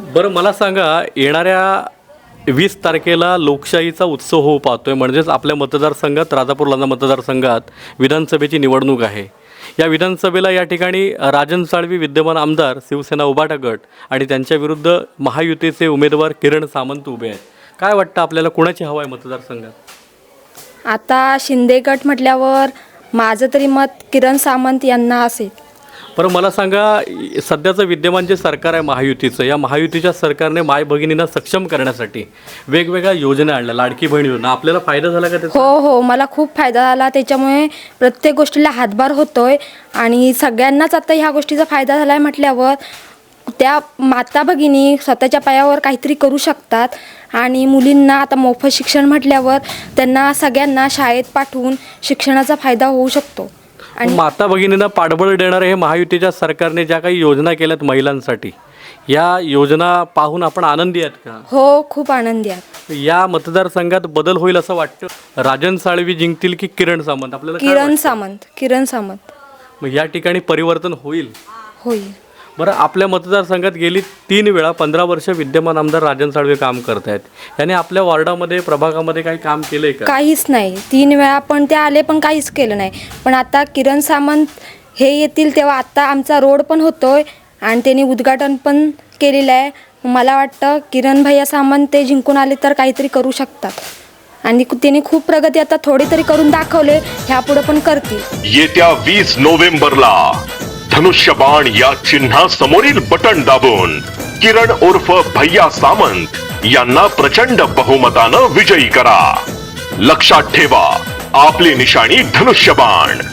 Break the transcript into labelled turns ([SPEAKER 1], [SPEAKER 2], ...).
[SPEAKER 1] बरं मला सांगा, येणाऱ्या 20 तारखेला लोकशाहीचा उत्सव होऊ पाहतोय, म्हणजेच आपल्या मतदारसंघात राजापूर लांजा मतदारसंघात विधानसभेची निवडणूक आहे. या विधानसभेला या ठिकाणी राजन साळवी विद्यमान आमदार, शिवसेना उभाटा गट आणि त्यांच्या विरुद्ध महायुतीचे उमेदवार किरण सामंत उभे आहेत. काय वाटतं आपल्याला, कुणाची हवा आहे मतदारसंघात?
[SPEAKER 2] आता शिंदे गट म्हटल्यावर माझं तरी मत किरण सामंत यांना असेल.
[SPEAKER 1] बरं मला सांगा, सध्याचं विद्यमान जे सरकार आहे महायुतीचं, या महायुतीच्या सरकारने माय भगिनींना सक्षम करण्यासाठी वेगवेगळ्या योजना आणल्या. लाडकी बहीण योजना, आपल्याला फायदा झाला का त्याचा?
[SPEAKER 2] हो, मला खूप फायदा झाला. त्याच्यामुळे प्रत्येक गोष्टीला हातभार होतोय आणि सगळ्यांनाच आता ह्या गोष्टीचा फायदा झाला आहे म्हटल्यावर त्या माता भगिनी स्वतःच्या पायावर काहीतरी करू शकतात. आणि मुलींना आता मोफत शिक्षण म्हटल्यावर त्यांना सगळ्यांना शाळेत पाठवून शिक्षणाचा फायदा होऊ शकतो.
[SPEAKER 1] आणि माता भगिनींना पाठबळ देणारे हे महायुतीच्या सरकारने ज्या काही योजना केल्यात महिलांसाठी, या योजना पाहून आपण आनंदी आहेत का?
[SPEAKER 2] हो, खूप आनंदी आहे.
[SPEAKER 1] या मतदारसंघात बदल होईल असं वाटतं? राजन साळवी जिंकतील की किरण सामंत? आपल्याला काय वाटतं?
[SPEAKER 2] किरण सामंत.
[SPEAKER 1] मग या ठिकाणी परिवर्तन होईल?
[SPEAKER 2] होईल.
[SPEAKER 1] बरं, आपल्या मतदारसंघात गेली 3 वेळा 15 वर्ष विद्यमान आमदार राजन साळवे काम करत आहेत. याने आपल्या वॉर्डामध्ये, प्रभागामध्ये काही काम केलंय का?
[SPEAKER 2] काहीच नाही. 3 वेळा पण ते आले पण काहीच केलं नाही. पण आता किरण सामंत हे येतील तेव्हा आता आमचा रोड पण होतोय आणि त्यांनी उद्घाटन पण केलेलं आहे. मला वाटतं किरण भैया सामंत ते जिंकून आले तर काहीतरी करू शकतात आणि त्यांनी खूप प्रगती आता थोडी तरी करून दाखवले, ह्यापुढे पण करतील.
[SPEAKER 3] येत्या 20 नोव्हेंबरला धनुष्यबाण या चिन्हा समोरील बटन दाबून किरण उर्फ भैया सामंत यांना प्रचंड बहुमतानं विजयी करा. लक्षात ठेवा, आपली निशाणी धनुष्यबाण.